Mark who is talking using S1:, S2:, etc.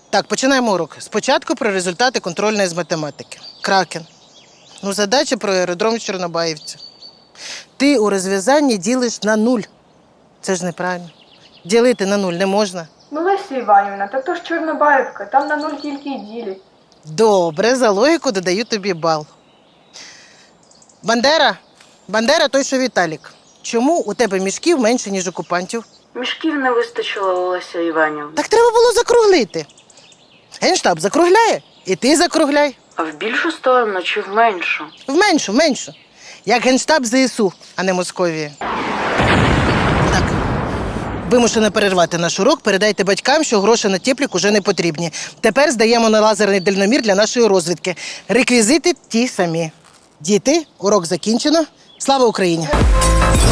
S1: Так, починаємо урок. Спочатку про результати контрольної з математики. Кракен. Задача про аеродром в Чорнобаївці. Ти у розв'язанні ділиш на 0. Це ж неправильно. Ділити на 0 не можна.
S2: Леся Іванівна, так то ж Чорнобаївка, там на 0 тільки й ділять.
S1: Добре, за логіку додаю тобі бал. Бандера той, що Віталік. Чому у тебе мішків менше, ніж окупантів?
S3: Мішків не вистачило, Леся Іванівна.
S1: Так треба було закруглити. Генштаб закругляє, і ти закругляй.
S3: А в більшу сторону чи в меншу?
S1: В меншу. Як Генштаб ЗСУ, а не Московії. Так, вимушено перервати наш урок. Передайте батькам, що гроші на теплік уже не потрібні. Тепер здаємо на лазерний дальномір для нашої розвідки. Реквізити ті самі. Діти, урок закінчено. Слава Україні!